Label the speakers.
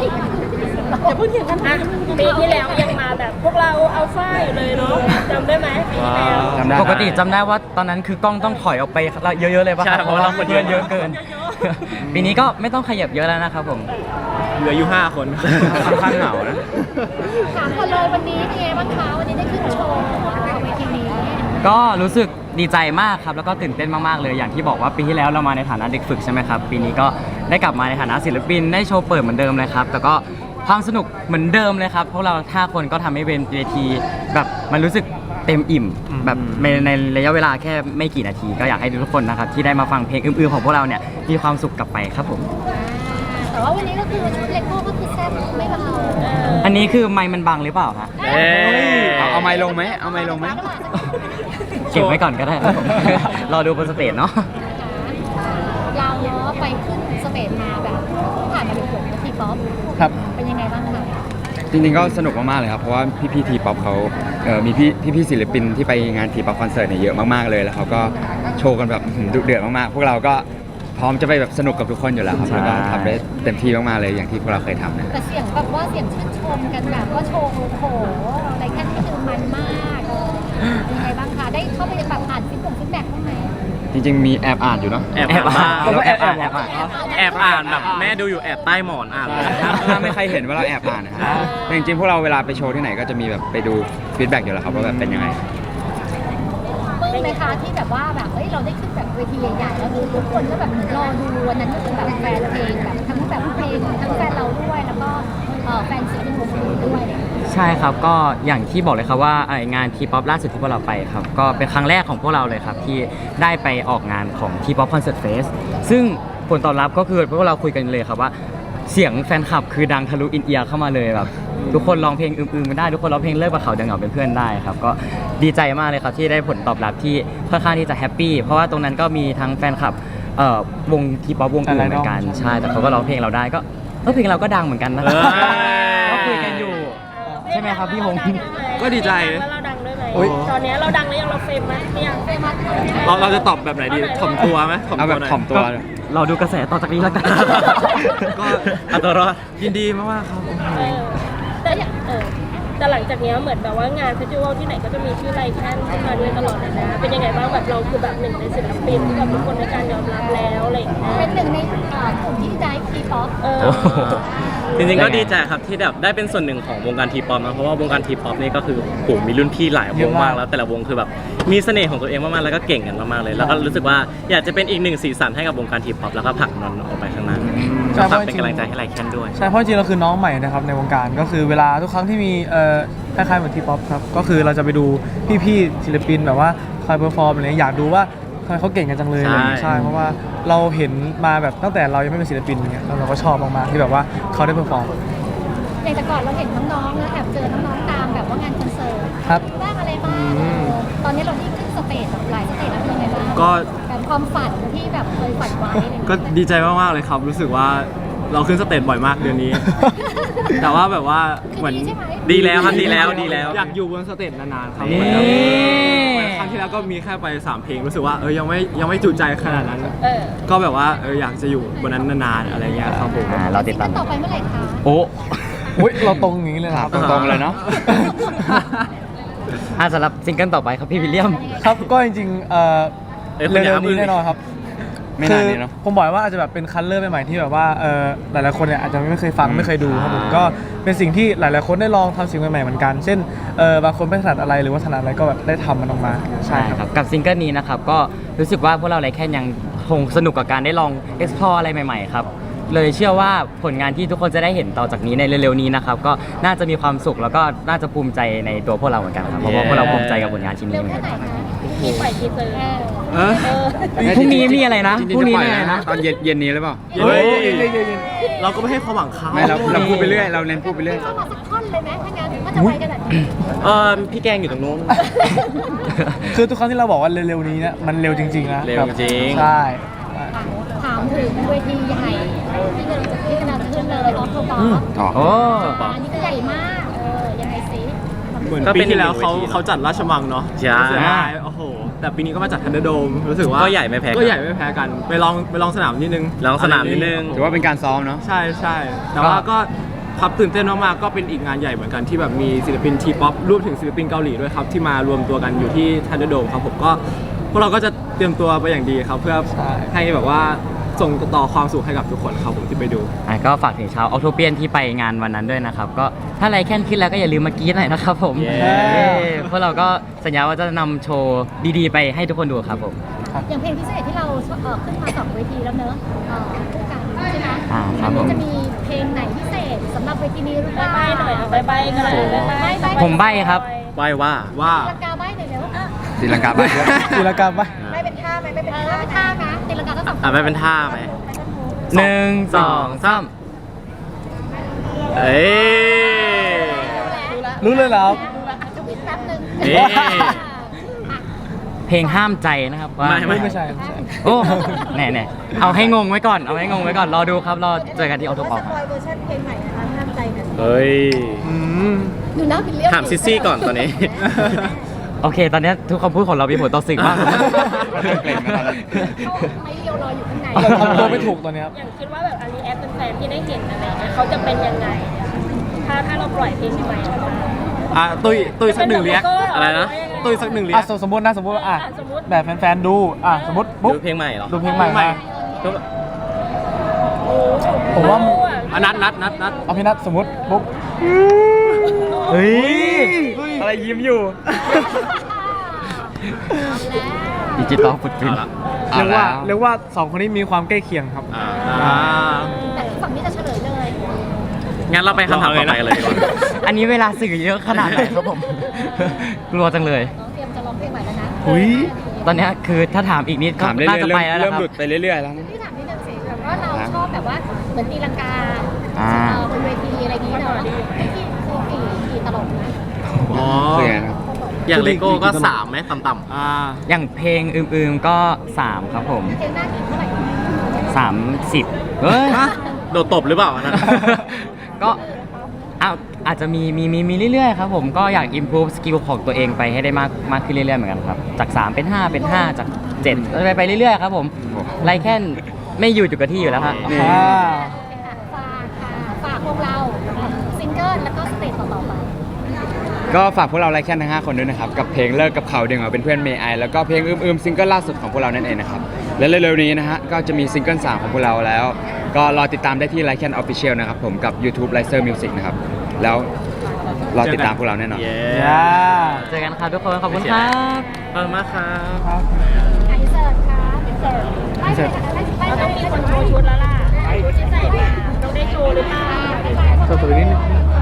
Speaker 1: อย่าเพิ่งเถียงกันนะปีที่แล้วยังมาแบบพวกเราอัลฟาอยู่เลยเนาะจำได้ไหมปีที่แล้ว
Speaker 2: ปกติจำได้ว่าตอนนั้นคือกล้องต้องถอยออกไปเยอะๆเลยป่ะครับเพราะว่าเราเพื่อนเยอะเกิน ปีนี้ก็ไม่ต้องขยับเยอะแล้วนะครับผม
Speaker 3: เหลืออยู่5 คนค่อนข้างเหงานะ
Speaker 4: ถามก่อนเลยวันนี้เป็นไงบ้างคะวันนี้ได้ขึ้นโชว์เวทีนี้
Speaker 2: ก็รู้สึกดีใจมากครับแล้วก็ตื่นเต้นมากๆเลยอย่างที่บอกว่าปีที่แล้วเรามาในฐานะเด็กฝึกใช่ไหมครับปีนี้ก็ได้กลับมาในฐานะศิลปินได้โชว์เปิดเหมือนเดิมเลยครับแต่ก็ความสนุกเหมือนเดิมเลยครับพวกเรา5 คนก็ทำให้เวทีแบบมันรู้สึกเต็มอิ่มแบบในระยะเวลาแค่ไม่กี่นาทีก็อยากให้ทุกคนนะครับที่ได้มาฟังเพลงอื้อๆของพวกเราเนี่ยมีความสุขกลับไปครับผม
Speaker 4: แต่ว่าวันนี้ก็คือชุดเลโก้ก็คือแซ่บไม่เบา
Speaker 2: อันนี้คือไมค์มันบังหรือเปล่าฮะ
Speaker 3: เอาไมค์ลงไหมเอาไมค์ลงไหม
Speaker 2: เก็บไว้ก่อนก็ได้ครับผม รอดูบนสเตจเนาะ
Speaker 4: เราเนาะไปขึ้นสเตจมาแบบผ่านมาเป็นผมทีป๊อป
Speaker 3: ครับ
Speaker 4: เป็นยังไงบ้างคะ
Speaker 3: จริงๆก็สนุกมากๆเลยครับเพราะว่าพี่ทีป๊อปเขามีพี่ศิลปินที่ไปงานทีป๊อปคอนเสิร์ตเนี่ยเยอะมากๆเลยแล้วเขาก็โชว์กันแบบดุเดือดมากๆพวกเราก็พร้อมจะไปแบบสนุกกับทุกคนอยู่แล้วครับแล้วก็ทำได้เต็มที่มากๆเลยอย่างที่พวกเราเคยทำนะ
Speaker 4: แต่เสียงแบบว่าเสียงชื่นชมกันแบบว่าโชว์โอ้โหอะไรแค่นี้คือมันมากเป็นยังไงบ้างคะได้เข้าไปแบบอ่านฟีดแบ็กบ้างไหม
Speaker 3: จริงๆมีแอบอ่านอยู่เนาะ
Speaker 2: แอบอ่านแอบอ่าน
Speaker 5: แบบแม่ดูอยู่แอบใต้หมอนอ่านเลย
Speaker 3: ถ้าไม่ใครเห็นว่าเราแอบอ่านนะครับแต่จริงๆพวกเราเวลาไปโชว์ที่ไหนก็จะมีแบบไปดูฟีดแบ็กอยู่แล้วครับว่าแบบเป็นยังไง
Speaker 4: ปลื้มไหมคะที่แบบว่าแบบเฮ้ยเราได้ขึ้นแบบเวทีใหญ่ๆแล้วคือทุกคนก็แบบรอดูวันนั้นก็คือแบบแฟนเพลงแบบทั้งแบบเพลงทั้งแฟนเราด้วยแล้วก็แฟนศิลปินวงอื่นด้วย
Speaker 2: ใช่ครับก็อย่างที่บอกเลยครับว่างานทีป๊อปล่าสุดที่พวกเราไปครับก็เป็นครั้งแรกของพวกเราเลยครับที่ได้ไปออกงานของทีป๊อปคอนเสิร์ตเฟสซึ่งผลตอบรับก็คือพวกเราคุยกันเลยครับว่าเสียงแฟนคลับคือดังทะลุอินเอียร์เข้ามาเลยแบบทุกคนร้องเพลงอึมๆกันได้ทุกคนร้องเพลงเลิกกับเขาดังเหงาเป็นเพื่อนได้ครับก็ดีใจมากเลยครับที่ได้ผลตอบรับที่ค่อนข้างที่จะแฮปปี้เพราะว่าตรงนั้นก็มีทั้งแฟนคลับวงทีป๊อปวงอื่นเหมือนกันใช่แต่เขาก็ร้องเพลงเราได้ก็เพลงเราก็ดังเหมือนกันนะก็คุยกันอยู่ใช่ไหมครับพี่หง
Speaker 5: ก็ดีใจ
Speaker 1: ว่าเราดังด้วยไหมตอนนี้เราดังแล้วยังเราเฟมไหมยังเฟม
Speaker 5: เราจะตอบแบบไหนดีถ่อมตัวไหม
Speaker 3: เอาแบบถ่อมตัว
Speaker 2: เราดูกระแสต่อจากนี้แล้วกัน
Speaker 5: ก็เอาตัวรอดยินดีมากๆครับ
Speaker 1: แต่อย่างแต่หลังจากนี้เหมือนแบบว่างานเฟสติวัลที่ไหนก็จะมีชื่อไลแคนขึ้นมาด้วยตลอดเลยนะเป็นยังไงบ้างแบบเราคือแบบหนึ่งในศิลปินที่แบบทุกคนในการยอมรับแล้วอะไรอย่างเงี้ย
Speaker 4: เป็นหนึ่งในกลุ่มที่ได้ทีป๊อป
Speaker 5: จริงๆก็ดีใจครับที่แบบได้เป็นส่วนหนึ่งของวงการทีป๊อปนะเพราะว่าวงการทีป๊อปนี่ก็คือโหมีรุ่นพี่หลายวงมากแล้วแต่ละวงคือแบบมีเสน่ห์ของตัวเองมากๆแล้วก็เก่งกันมากๆเลย แล้วก็รู้สึกว่าอยากจะเป็นอีกหนึ่งสีสันให้กับวงการทีป๊อปแล้วก็ผลักมันออกไปข้างหน้าก็ฝากเป็นกำลังใจให้ไลแคนด้วย
Speaker 6: ใช่เพราะจริงๆเราคือน้องใหม่นะครับในวงการก็คือเวลาทุกครั้งที่มีคล้ายๆเหมือนทีป๊อปครับก็คือเราจะไปดูพี่ๆศิลปินแบบว่าคอยเพอร์ฟอร์มอะไรอยากดูว่าทำไมเขาเก่งกันจังเลย
Speaker 5: ใช่
Speaker 6: ใช่เพราะว่าเราเห็นมาแบบตั้งแต่เรายังไม่เป็นศิลปินอย่างเงี้ยแล้วเราก็ชอบมากๆที่แบบว่าเขาได้เพอร์ฟอร์ม
Speaker 4: อย่างแต่ก่อนเราเห็นน้องๆแล้วแอบเจอน้องๆตามแบบว่างานคอนเสิร์ต
Speaker 6: ครับ
Speaker 4: บ้างอะไรบ้างตอนนี้เราได้ขึ้นสเตจแบบหลายสเตจแล้วเป็นยังไงบ้าง
Speaker 5: ก็
Speaker 4: แบบความฝันที่แบบเคยฝันไว้อะไรอย่าง
Speaker 5: ก็
Speaker 4: เงี้ย
Speaker 5: ดีใจมากๆเลยครับรู้สึกว่าเราขึ้นสเตจบ่อยมากเดือนนี้ แต่ว่าแบบว่าเหมือนดีแล้วครับดีแล้วอยากอยู่บนสเตจนานๆครับเหมือนแบบเหมือนครั้งที่แล้วก็มีแค่ไป3 เพลงรู้สึกว่ายังไม่จุใจขนาดนั้น ก็แบบว่าอยากจะอยู่บนนั้นนานๆอะไรเงี้ยครับผม
Speaker 2: เราติดตาม
Speaker 4: ต่อไปเมื่อไหร่คะ
Speaker 2: โอ้
Speaker 6: อุ้ยเราตรงอย่างนี้เลยนะครับ
Speaker 3: ตรงๆเลยเนาะ
Speaker 2: สำหรับซิงเกิลต่อไปครับพี่วิลเลียม
Speaker 6: ครับก็จริงๆ
Speaker 5: คุณอย่า
Speaker 6: เร็วๆ
Speaker 5: พึ่
Speaker 6: นี้
Speaker 5: ง
Speaker 6: แน่นอนครับ
Speaker 3: ไม่นานนี้เนาะ
Speaker 6: ผมบอกว่าอาจจะแบบเป็นคัลเลอร์ใหม่ๆที่แบบว่าหลายๆคนเนี่ยอาจจะไม่เคยฟังไม่เคยดูครับผมก็เป็นสิ่งที่หลายๆคนได้ลองทำสิ่งใหม่ๆเหมือนกันเช่นบางคนไม่ถนัดอะไรหรือว่าถนัดอะไรก็แบบได้ทำมันออกมาใช่
Speaker 2: ใช่
Speaker 6: ครับ
Speaker 2: ครับกับซิงเกิลนี้นะครับก็รู้สึกว่าพวกเราไลแคนยังคงสนุกกับการได้ลอง explore อะไรใหม่ๆครับเลยเชื่อว่าผลงานที่ทุกคนจะได้เห็นต่อจากนี้ในเร็วๆนี้นะครับก็น่าจะมีความสุขแล้วก็น่าจะภูมิใจในตัวพวกเราเหมือนกันครับเพราะว่าพวกเราภูมิใจกับผลงานชิ้นนี้
Speaker 4: เร็ว
Speaker 2: เหมือน
Speaker 4: แค่
Speaker 2: กัน
Speaker 4: ไหนคะ
Speaker 1: มีปล่อยทีเซอร์
Speaker 2: พรุ่งนี้มีอะไรนะ
Speaker 3: จริงๆ
Speaker 2: พรุ่งนี้
Speaker 3: จะปล่
Speaker 2: มี
Speaker 3: อย
Speaker 2: อะไรนะ
Speaker 3: ตอนเย็นนี้หรือเปล่า
Speaker 5: เฮ้ยเราก็ไม่ให้ความหวังเขา
Speaker 3: ไม่เราพูดไปเรื่อยเราเน้นพูดไปเรื่อย
Speaker 4: เข้ามาสักท่อนเลยไหมถ้างั้นถ้าจะไวขนาดนี้
Speaker 5: พี่แกงอยู่ตรงนู้น
Speaker 6: คือทุกครั้งที่เราบอกว่าเร็วๆนี้เนี่ยมันเร็วจริงๆนะ
Speaker 5: เร็วจริง
Speaker 6: ใช่
Speaker 4: ถามถึงเวทีใหญ่ที่กำลังจะขึ้นเลยออฟโตบอส
Speaker 3: อ๋อ
Speaker 2: โอ้
Speaker 4: อันนี้ก็ใหญ่มากยังไงซิ
Speaker 5: เหมือน
Speaker 7: ก็
Speaker 5: ปี
Speaker 7: เป็น
Speaker 5: ที่แล้ว
Speaker 7: อีกหนึ่งเวที
Speaker 5: เขาจัดราชมังเนาะ
Speaker 7: ใช่
Speaker 5: เสียดายโอ้โห แต่ปีนี้ก็มาจัดทันเดอร์โดมรู้สึกว่า
Speaker 7: ก็ใหญ่ไม่แพ้กัน
Speaker 5: ก็ใหญ่ไม่แพ้กันไปลองสนามนิดนึง
Speaker 7: ลองสนามนิดนึง
Speaker 3: ถือว่าเป็นการซ้อมเนาะ
Speaker 5: ใช่ใช่แต่ว่าก็ครับตื่นเต้นมากๆก็เป็นอีกงานใหญ่เหมือนกันที่แบบมีศิลปินทีป๊อปรวมถึงศิลปินเกาหลีด้วยครับที่มารวมตัวกันอยู่ที่ทันเดอร์โดมครับผมก็พวกเราก็จะเตรียมตัวไปอย่างดีครับเพื่อให้แบบว่าส่งต่อความสุขให้กับทุกคนครับผมที่ไปดู
Speaker 2: ก็ฝากถึงชาวออโตเปียนที่ไปงานวันนั้นด้วยนะครับ ก็ถ้าไรแค่นขึ้นแล้วก็อย่าลืมมากรี๊ดหน่อยนะครับผม
Speaker 5: เย้
Speaker 2: พวกเราก็สัญญาว่าจะนำโชว์ดีๆ ไปให้ทุกคนดูครับผม
Speaker 4: อย่างเพลงพิเศษที่เราขึ้นมา2 เวทีแล้วเนอะคู่กันใช่ไหม
Speaker 2: ครับผม
Speaker 4: จะมีเพลงไหนพิเศษสำหรับเวทีนี้หรือเปล่า
Speaker 1: ใบ้หน่อยเอาใบ้กันเลยใบ้
Speaker 2: ผมใบ้ครับ
Speaker 5: ไหว้ว่า
Speaker 4: ตีลังกาใบ้หน่อยเร็ว
Speaker 3: ตีลังกาบ้าง
Speaker 6: ตีละกันปะ
Speaker 4: ไม่เป็นท่าไหมไม่เป็นท่านะตีลังกาต้อง
Speaker 5: ไม่เป็นท่าไหม
Speaker 2: 1 2 3
Speaker 5: เอ้ย
Speaker 6: รู้เลยเหรอครับ
Speaker 4: จะวิดแป๊บนึง
Speaker 5: นี่
Speaker 2: เพลงห้ามใจนะครับว่า
Speaker 6: ไม่ใช่ไม่ใช่
Speaker 2: โอ้แน่ๆเอาให้งงไว้ก่อนเอาให้งงไว้ก่อนรอดูครับรอเจอกันที่ออโตปอล
Speaker 4: เวอร์ชันเพลงใหม่นะคะห้ามใจหน่อย
Speaker 5: เฮ้ย
Speaker 6: อืม
Speaker 4: ดูนะเป็นเรื่อง
Speaker 5: ถามซิซี่ก่อนตอนนี้
Speaker 2: โอเค ตอนนี้ทุกคำพูดของเรามีผลต่อสิ่งมาก
Speaker 3: เกรงนะตอนนั้น
Speaker 4: ไม่เรียวรออยู่ข้างใน
Speaker 6: เราทำตัวไม่ถูกตอนเนี้ยครับ
Speaker 1: อย่างคิดว่าแบบอันนี้แอปเป็นแฟนที่ได้เห็นอะไรเงี้ยเขาจะเป็นยังไงถ้าเราปล่อยเพลงใหม่ออกมา
Speaker 5: ตุ้ยสักหนึ่งเรียกอะไรนะตุ้ยสักหนึ่งเรียก
Speaker 6: สมมตินะสมมติ
Speaker 1: สมมุติ
Speaker 6: แบบแฟนๆดูสมมติปุ๊บ
Speaker 5: ดูเพลงใหม่เหรอ
Speaker 6: ดูเพลงใหม่มา
Speaker 1: โอ้
Speaker 6: ผมว่า
Speaker 5: นัด
Speaker 6: เอาพี่นัทสมมติปุ๊บ
Speaker 2: เฮ้ย
Speaker 3: อะไรยิ้มอยู่
Speaker 2: ดิจิตอลฟุตปริน
Speaker 5: เอาละ
Speaker 6: เรียกว่าสองคนนี้มีความใกล้เคียงครับ
Speaker 4: แต่ฝั่งนี้จะเฉลยเลย
Speaker 5: งั้นเราไปคำถามต่อไปกันเลยดีกว่า
Speaker 2: อันนี้เวลาสื่อเยอะขนาดไหนครับผม กลัวจังเลย
Speaker 4: น้องเตรียมจะร้องเพลงใหม่แล้วนะ
Speaker 6: อุ๊ย
Speaker 2: ตอนเนี้ยคือถ้าถามอีกนิดก็
Speaker 3: ถามเรื่อ
Speaker 2: น่าย จะ
Speaker 3: ๆ
Speaker 2: ไปแล้ว
Speaker 3: เริ่
Speaker 2: นะ
Speaker 3: ม
Speaker 2: ครับ
Speaker 3: หลุดไปเรื่อยๆแล้วนะ
Speaker 4: พี่ถามนิดนึงสิแบบว่าเราชอบแบบว่าเหมือนตีลังกา
Speaker 2: อ่า
Speaker 4: บนเวทีอะไรอย่างนี้เนาะที่คือกี่ตลกนะ
Speaker 5: อ๋อ
Speaker 3: คือไงครับ
Speaker 5: อย่างเลโก้ก็3ไหมต่ำๆ
Speaker 2: อย่างเพลงอืมๆก็ 3 ครับผม
Speaker 4: เพลงหน้ากี่เท่าไหร่
Speaker 2: 30เฮ้ย
Speaker 5: โดดตบหรือเปล่าอันนั้น
Speaker 2: ก็อาจจะมีเรื่อยๆครับผมก็อยาก improve skill ของตัวเองไปให้ได้มากขึ้นเรื่อยๆเหมือนกันครับ จาก 3 เป็น 5 เป็น 5 จาก 7 ไปเรื่อยๆครับผมไรแค่นไม่อยู่จุดกับที่อยู่แล้วฮะ
Speaker 3: นี่
Speaker 4: ฝากพวกเราซิงเกิลแล้วก็สเตจต่อๆไป
Speaker 3: ก็ฝากพวกเราไลค์แค่ทั้ง5คนด้วยนะครับ กับเพลงเลิกกับเขาเดียวเป็นเพื่อนเมย์ไอแล้วก็เพลงอืมซิงเกิลล่าสุดของพวกเรานั่นเองนะครับ และเร็วๆนี้นะฮะก็จะมีซิงเกิล3ของพวกเราแล้ว ก็รอติดตามได้ที่ไลค์แค่ Official นะครับผมกับ YouTube l i c e r Music นะครับ แล้วรอติดตามพวกเราแน่นอน
Speaker 5: เย้
Speaker 2: เจอกันครับทุกคน ขอบคุณครับ
Speaker 5: ขอบคุณมากครับ
Speaker 4: อินเสิร์ตครับอินเสิร์ตไม่ใช่ค่ะไม่
Speaker 1: เรา
Speaker 4: ใช่
Speaker 1: ต้องมีคนโชว์ชุดแล้วล่ะชุดที่ใส่มาต้องได้โชว์หรือเปล่า
Speaker 6: ตัวนี้